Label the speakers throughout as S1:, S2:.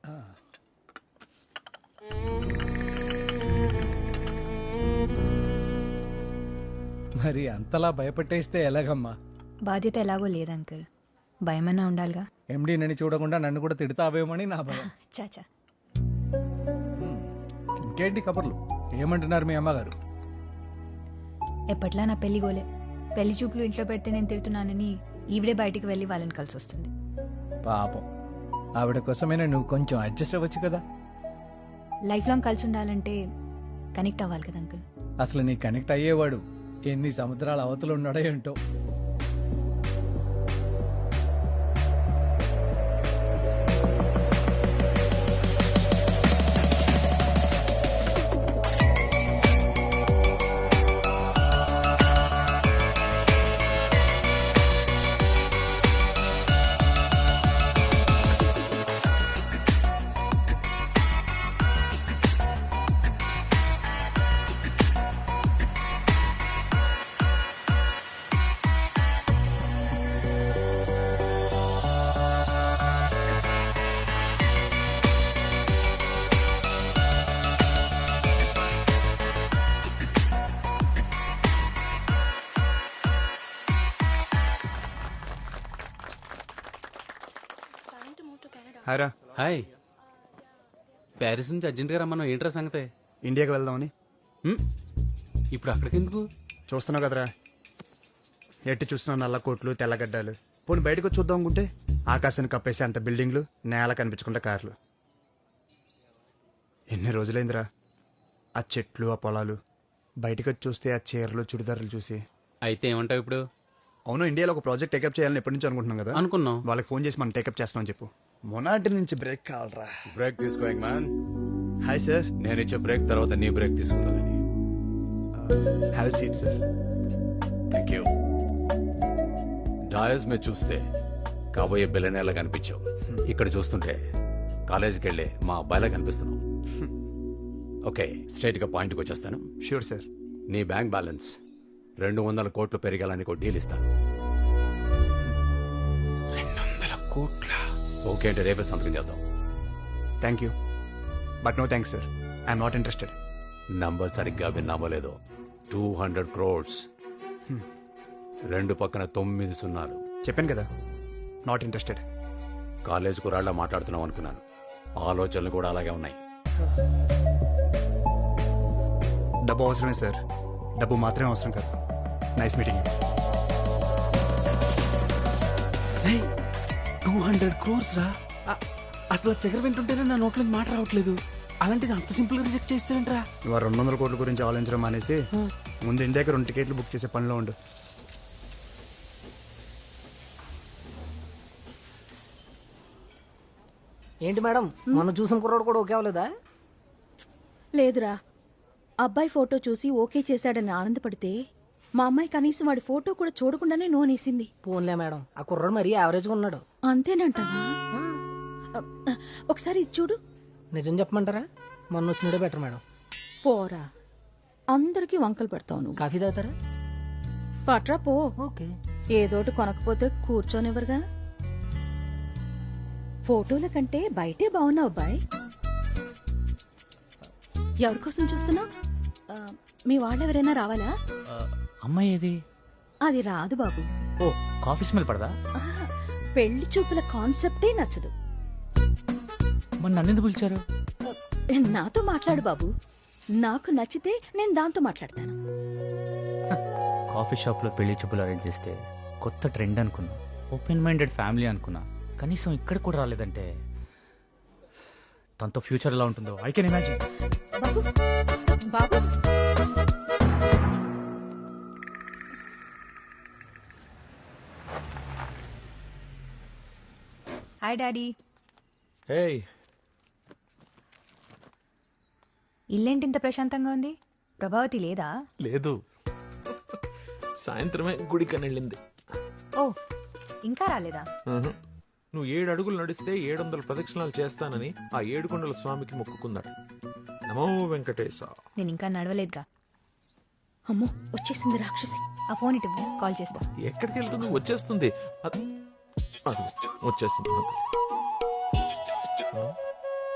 S1: మరి అంతలా భయపెట్టేస్తే ఎలాగమ్మా?
S2: బాధ్యత ఎలాగో లేదు అంకుల్, భయమన్నా ఉండాలిగా.
S1: ఎండి నన్ను చూడకుండా నన్ను కూడా తిడతావేమని నా భయం.
S2: చాచా,
S1: ఇంకేంటి కబుర్లు? ఏమంటున్నారు మీ అమ్మగారు?
S2: ఎప్పట్లా నా పెళ్లి గోలే. పెళ్లి చూపులు ఇంట్లో పెడితే నేను తిడుతున్నానని ఈవిడే బయటికి వెళ్ళి వాళ్ళని కలిసి వస్తుంది.
S1: పాపం, ఆవిడ కోసమైనా నువ్వు కొంచెం అడ్జస్ట్ అవ్వచ్చు కదా.
S2: లైఫ్ లాంగ్ కలిసి ఉండాలంటే కనెక్ట్ అవ్వాలి కదా అంకుల్.
S1: అసలు నీ కనెక్ట్ అయ్యేవాడు ఎన్ని సముద్రాల అవతలు ఉన్నాడో ఏంటో.
S3: హాయ్రా.
S4: హాయ్. ప్యారిస్ నుంచి అర్జెంట్గా రమ్మన్నాం, ఏంట్రా సంగతే?
S3: ఇండియాకి వెళ్దామని.
S4: ఇప్పుడు అక్కడికి ఎందుకు?
S3: చూస్తున్నావు కదరా, ఎట్టి చూస్తున్నావు నల్ల కోట్లు తెల్లగడ్డలు. పోనీ బయటకు వచ్చి చూద్దాం అనుకుంటే ఆకాశాన్ని కప్పేసి అంత బిల్డింగ్లు, నేల కనిపించకుండా కార్లు. ఎన్ని రోజులైందిరా ఆ చెట్లు, ఆ పొలాలు. బయటకు వచ్చి చూస్తే ఆ చీరలు, చుడిదారులు చూసి.
S4: అయితే ఏమంటావు ఇప్పుడు?
S3: అవును, ఇండియాలో ఒక ప్రాజెక్ట్ టేకప్ చేయాలని ఎప్పటి నుంచి అనుకుంటున్నాం కదా.
S4: అనుకున్నాం.
S3: వాళ్ళకి ఫోన్ చేసి మనం టేకప్ చేస్తామని చెప్పు. మొనాటి నుంచి బ్రేక్ కావాలరా.
S5: బ్రేక్ తీసుకో మ్యాన్.
S3: Hi sir.
S5: నేను ఇచ్చే బ్రేక్ తర్వాత నీ బ్రేక్ తీసుకుందాం కానీ.
S3: Have seat sir.
S5: Thank you. Dais మీద చూస్తే కాబోయే బిల్లనేలా కనిపించావు. ఇక్కడ చూస్తుంటే కాలేజీకి వెళ్ళే మా అబ్బాయిలా కనిపిస్తున్నావు. ఓకే, స్ట్రైట్ గా పాయింట్కి వచ్చేస్తాను.
S3: Sure sir.
S5: నీ బ్యాంక్ బ్యాలెన్స్ 200 కోట్లు పెరిగాలని ఒక డీల్ ఇస్తాను.
S4: 200 కోట్ల?
S5: ఓకే అంటే రేపే సంతకం చేద్దాం.
S3: Thank you but no thanks sir. I'm not interested.
S5: Number సరిగ్గా విన్నామో లేదో, 200 crores. 2 పక్కన 9 సున్నాలు.
S3: చెప్పాను కదా, నాట్ ఇంట్రెస్టెడ్.
S5: కాలేజ్ కురాళ్ళ మాట్లాడుతున్నాం అనుకున్నాను. ఆలోచనలు కూడా అలాగే ఉన్నాయి.
S3: డబ్బు అవసరమే సార్, డబ్బు మాత్రమే అవసరం కాదు. Nice meeting.
S4: 200 crores రా. అసలు ఫిగర్ వింటుంటేనే నా నోట్లో మాట రావట్లేదు. అలాంటిది అంత సింపుల్ గా రిజెక్ట్ చేస్తావేంట్రా?
S3: ఇవాళ 200 కోట్ల గురించి ఆలోచించడం మానేసి ముందు ఇండియాకి 2 టికెట్లు బుక్ చేసే పనిలో ఉండు.
S6: ఏంటి మేడం, మొన్న చూసిన కుర్రాడు కూడా ఓకే అవ్వలేదా?
S7: లేదురా, అబ్బాయి ఫోటో చూసి ఓకే చేశాడని ఆనందపడితే మా అమ్మాయి కనీసం వాడి ఫోటో కూడా చూడకుండానే నోనేసింది.
S6: పోన్లే మేడం, ఆ కుర్రాడు మరీ యావరేజ్గా ఉన్నాడు.
S7: అంతేనంటావా? ఒకసారి ఇది చూడు.
S6: నిజం చెప్పమంటారా, మొన్న వచ్చినడే బెటర్ మేడం.
S7: పోరా, అందరికీ వంకలు పెడతావు నువ్వు.
S6: కాఫీ తాగుతారా?
S7: పట్రా పో.
S6: ఓకే.
S7: ఏదోటి కొనకపోతే కూర్చోనివ్వరుగా. ఫోటోల కంటే బయటే బాగున్నావు అబ్బాయి. ఎవరి కోసం చూస్తున్నావు? మీ వాళ్ళెవరైనా రావాలా?
S4: అమ్మాయి ఏది?
S7: అది రాదు బాబు.
S4: ఓ, కాఫీ స్మెల్ పడదా?
S7: ఆహా, పెళ్లి చూపుల కాన్సెప్టే నచ్చదు.
S4: మరి నన్ను ఎందుకు పిలిచారు?
S7: నాతో మాట్లాడు బాబు, నాకు నచ్చితే నేను దాంతో మాట్లాడతాను.
S8: కాఫీ షాప్లో పెళ్లి చూపులు అరేంజ్ చేస్తే కొత్త ట్రెండ్ అనుకున్నా, ఓపెన్ మైండెడ్ ఫ్యామిలీ అనుకున్నా. కనీసం ఇక్కడ కూడా రాలేదంటే తనతో ఫ్యూచర్ ఎలా ఉంటుందో ఐ కెన్ ఇమాజిన్.
S7: బాబు బాబు,
S2: హాయ్ డాడీ. ఇల్లేంటి ఇంత ప్రశాంతంగా ఉంది? ప్రభావతి లేదా?
S9: లేదు, సాయంత్రమే గుడికని వెళ్ళింది.
S2: ఓ, ఇంకా రాలేదా?
S9: నువ్వు 7 అడుగులు నడిస్తే 700 ప్రదక్షిణాలు చేస్తానని ఆ 7 కొండల స్వామికి మొక్కుకుందట. నమో వెంకటేశ.
S2: నేను ఇంకా నడవలేదుగా.
S7: అమ్మో వచ్చేసింది రాక్షసి.
S2: ఆ ఫోన్ ఇటు కాల్ చేస్తా.
S9: ఎక్కడికి వెళ్తుంది? వచ్చేస్తుంది. అది వచ్చేసింది.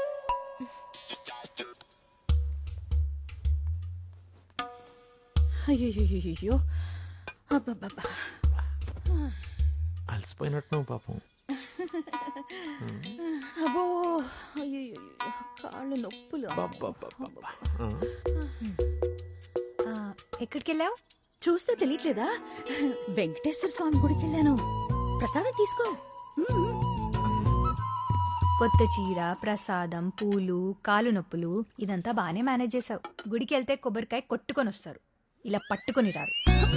S7: అయ్యో అబ్బబ్బబ్బా.
S9: అలసిపోయినట్టున్నావు పాపం.
S7: అబ్బో అయ్యో కాళ్ళు నొప్పులు.
S9: అబ్బబ్బబ్బబ్బా. ఆ.
S2: ఎక్కడికి వెళ్ళావు?
S7: చూస్తే తెలియట్లేదా? వెంకటేశ్వర స్వామి గుడికి వెళ్ళాను. ప్రసాదం తీసుకో.
S2: కొత్త చీర, ప్రసాదం, పూలు, కాలు నొప్పులు ఇదంతా బాగానే మేనేజ్ చేసావు. గుడికి వెళ్తే కొబ్బరికాయ కొట్టుకొని వస్తారు, ఇలా పట్టుకొని రారు.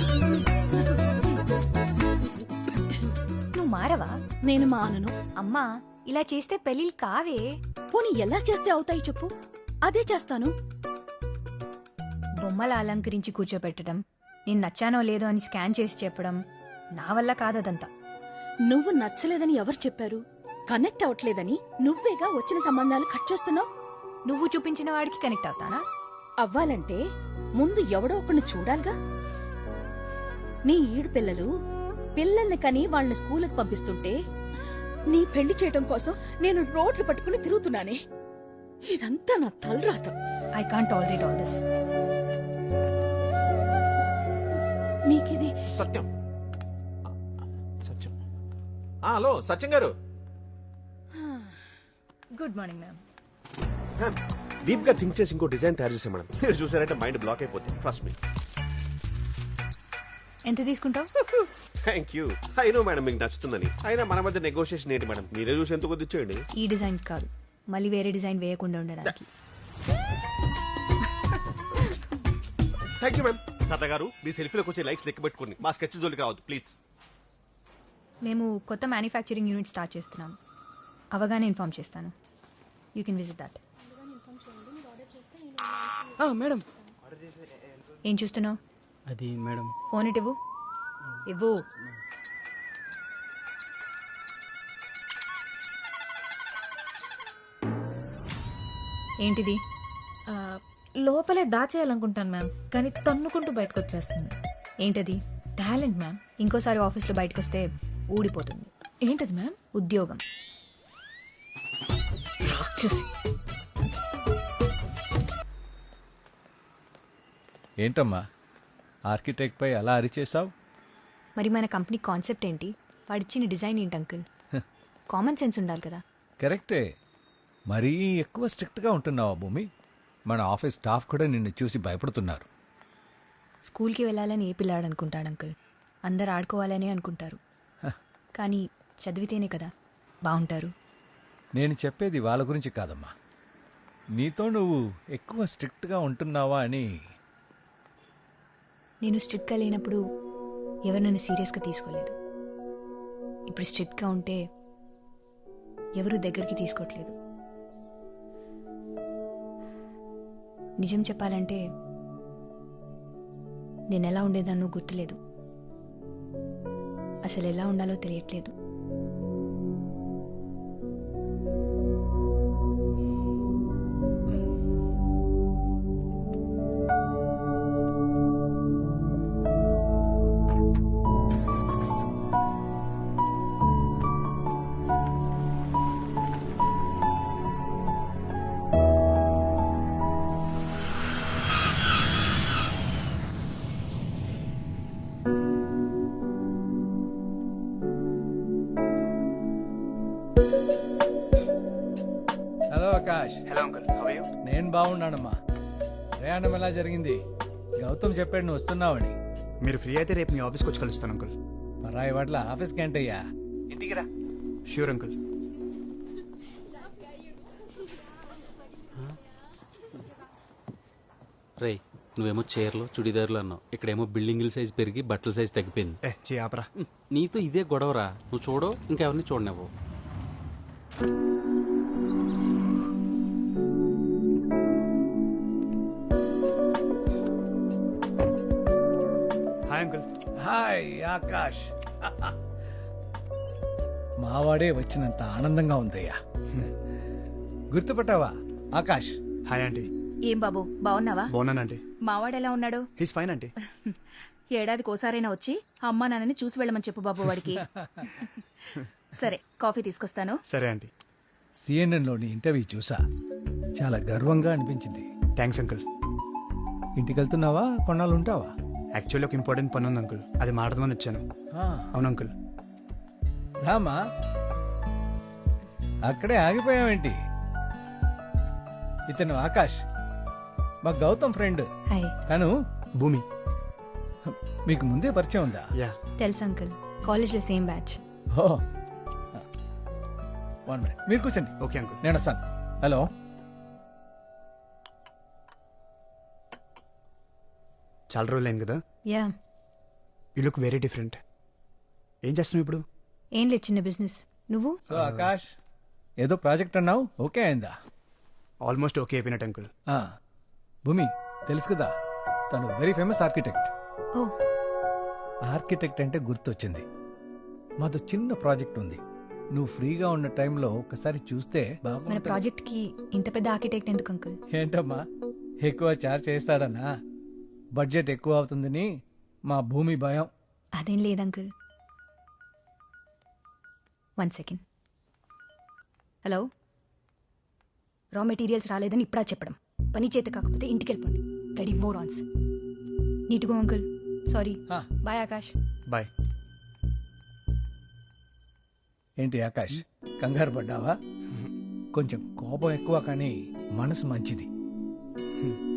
S2: నువ్వు మారవా?
S7: నేను మానను.
S2: అమ్మా, ఇలా చేస్తే పెళ్ళిళ్ళు కావే.
S7: పోనీ ఎలా చేస్తే అవుతాయి చెప్పు, అదే చేస్తాను.
S2: బొమ్మల అలంకరించి కూర్చోపెట్టడం, నేను నచ్చానో లేదో అని స్కాన్ చేసి చెప్పడం నా వల్ల కాదదంతా.
S7: నువ్వు నచ్చలేదని ఎవరు చెప్పారు? కనెక్ట్ అవట్లేదని నువ్వేగా వచ్చిన సంబంధాలు కట్ చేస్తున్నావు.
S2: నువ్వు చూపించిన వాడికి కనెక్ట్ అవుతానా?
S7: అవ్వాలంటే ముందు ఎవడో ఒకరిని చూడాలిగా. నీ ఈడు పిల్లల్ని కని వాళ్ళని స్కూలుకి పంపిస్తుంటే నీ పెళ్లి చేయటం కోసం నేను రోడ్లు పట్టుకుని తిరుగుతున్నానే. ఇదంతా నా తలరాత.
S2: I can't tolerate all this.
S7: నీకిది
S9: సత్యం. సత్యం. హలో సత్యం గారు.
S2: Good morning ma'am.
S10: డీప్ గా థింక్ చేసి ఇంకో డిజైన్ తయారు చేసాం మేడం. మీరు చూసారంటే మైండ్ బ్లాక్ అయిపోతుంది. Trust me.
S2: ఎంత తీసుకుంటావు?
S10: Thank you. అయినో మేడం మీకు నచ్చుతుందని. అయినా మన మధ్య నెగోషియేషన్ ఏంటి మేడం? మీరే చూసి ఎంత కొద్ది ఇచ్చేయండి.
S2: ఈ డిజైన్ కాదు, మళ్ళీ వేరే డిజైన్ వేయకుండా ఉండడానికి.
S10: Thank you ma'am. సరదా గారు మీ సెల్ఫీలోకి వచ్చే లైక్స్ లెక్క పెట్టుకోండి. మా స్కెచ్ జోలికి రావద్దు ప్లీజ్.
S2: మేము కొత్త మ్యానుఫ్యాక్చరింగ్ యూనిట్ స్టార్ట్ చేస్తున్నాం. అవగానే ఇన్ఫార్మ్ చేస్తాను. You can visit that.
S6: Madam
S2: ఏం చూస్తున్నావు?
S6: అది మేడం
S2: ఫోన్ ఇటు ఇవ్వు. ఏంటిది?
S11: లోపలే దాచేయాలనుకుంటాను మ్యామ్, కానీ తన్నుకుంటూ బయటకు వచ్చేస్తుంది.
S2: ఏంటది?
S11: Talent ma'am.
S2: ఇంకోసారి ఆఫీస్లో బయటకు వస్తే ఊడిపోతుంది.
S11: ఏంటది మ్యామ్?
S2: ఉద్యోగం.
S11: రాక్షసి.
S1: ఏంటమ్మా ఆర్కిటెక్ట్ పై అలా అరిచేసావు?
S2: మరి మన కంపెనీ కాన్సెప్ట్ ఏంటి? వాడిచ్చిన డిజైన్ ఏంటి అంకుల్? కామన్ సెన్స్ ఉండాలి కదా.
S1: కరెక్టే. మరీ ఎక్కువ స్ట్రిక్ట్గా ఉంటున్నావా భూమి? మన ఆఫీస్ స్టాఫ్ కూడా నిన్ను చూసి భయపడుతున్నారు.
S2: స్కూల్కి వెళ్ళాలని ఏ పిల్లాడు అనుకుంటాడు అంకుల్? అందరు ఆడుకోవాలని అనుకుంటారు. కానీ చదివితేనే కదా బాగుంటారు.
S1: నేను చెప్పేది వాళ్ళ గురించి కాదమ్మా, నీతో నువ్వు ఎక్కువ స్ట్రిక్ట్గా ఉంటున్నావా అని.
S2: నేను స్ట్రిక్ట్గా లేనప్పుడు ఎవరు నన్ను సీరియస్గా తీసుకోలేదు. ఇప్పుడు స్ట్రిక్ట్గా ఉంటే ఎవరు దగ్గరికి తీసుకోవట్లేదు. నిజం చెప్పాలంటే నేను ఎలా ఉండేదాన్నో గుర్తులేదు. అసలు ఎలా ఉండాలో తెలియట్లేదు.
S1: Hello Akash.
S3: Hello uncle, how are you?
S1: నేను బాగున్నానమ్మా. ప్రయాణం ఎలా జరిగింది? గౌతమ్ చెప్పాడు నువ్వు వస్తున్నావని.
S3: మీరు ఫ్రీ అయితే రేపు మీ ఆఫీస్కి వచ్చి కలుస్తాను అంకుల్.
S1: పరాయి వాట్ల ఆఫీస్కి ఏంటయ్యా?
S3: ఇంటికి రా. Sure uncle.
S4: రే, నువ్వేమో చీరలు చుడిదారులు అన్నావు, ఇక్కడేమో బిల్డింగుల సైజ్ పెరిగి బట్టల సైజ్ తగ్గిపోయింది.
S3: ఆపరా.
S4: నీతో ఇదే గొడవరా. నువ్వు చూడవు, ఇంకెవరిని చూడనివ్వు.
S3: Hi uncle.
S1: హాయ్ ఆకాష్. మావాడే వచ్చినంత ఆనందంగా ఉందయ్యా. గుర్తుపట్టావా ఆకాష్?
S3: Hi aunty.
S7: ఏం బాబు, బాగున్నావా?
S3: బాగున్నానంటీ.
S7: మావాడెలా ఉన్నాడు?
S3: He's fine aunty.
S7: ఏడాదికోసారైనా వచ్చి అమ్మా నాన్నని చూసి వెళ్ళమని చెప్పు బాబు వాడికి. సరే, కాఫీ తీసుకొస్తాను.
S3: సరే ఆంటీ.
S1: సిఎన్ఎన్లోని ఇంటర్వ్యూ చూసా, చాలా గర్వంగా అనిపించింది.
S3: Thanks uncle.
S1: ఇంటికి వెళ్తున్నావా, కొన్నాళ్ళు ఉంటావా?
S3: యాక్చువల్లీ ఒక ఇంపార్టెంట్ పని ఉంది అంకుల్, అది మాట్లాడదామని వచ్చాను. అవును అంకుల్.
S1: రామా, అక్కడే ఆగిపోయావేంటి? ఇతను ఆకాష్, మా గౌతమ్ ఫ్రెండ్.
S2: హాయ్.
S1: తను
S3: భూమి.
S1: మీకు ముందే పరిచయం ఉందా?
S3: యా.
S2: తెలుసు అంకుల్, కాలేజ్లో సేమ్ బ్యాచ్.
S1: ఓ 1 minute, మీరు కూర్చోండి.
S3: Okay uncle.
S1: నేను వస్తాను. హలో.
S3: చాలా రోజులు అయింది కదా.
S2: Yeah.
S3: You look very different. ఏం చేస్తున్నావు ఇప్పుడు?
S2: ఏం లేదు, చిన్న బిజినెస్. నువ్వు?
S1: సో ఆకాష్, ఏదో ప్రాజెక్ట్ అన్నావు, ఓకే అయిందా?
S3: ఆల్మోస్ట్ ఓకే అయిపోయినట్టు అంకుల్.
S1: ఆ, భూమి తెలుసు కదా, తను వెరీ ఫేమస్ ఆర్కిటెక్ట్.
S2: ఓ.
S1: ఆర్కిటెక్ట్ అంటే గుర్తొచ్చింది, మాతో చిన్న ప్రాజెక్ట్ ఉంది. నువ్వు ఫ్రీగా ఉన్న టైంలో ఒకసారి చూస్తే
S2: మన
S1: బాగుంటుంది.
S2: ప్రాజెక్ట్ కి ఇంత పెద్ద ఆర్కిటెక్ట్ ఎందుకు అంకుల్?
S1: ఏంటమ్మా, ఎక్కువ చార్జ్ చేస్తాడన్నా? బడ్జెట్ ఎక్కువ అవుతుందని మా భూమి భయం.
S2: అదేం లేదు uncle. 1 second. Hello. Raw materials రాలేదని ఇప్పుడా చెప్పడం, పని చేత కాకపోతే ఇంటికి వెళ్ళిపోండి. Ready more ons. Need go uncle. Sorry.
S1: హా.
S2: బాయ్ ఆకాష్.
S3: బాయ్.
S1: ఏంటి ఆకాష్, కంగారు పడ్డావా? కొంచెం కోపం ఎక్కువ కానీ మనసు మంచిది.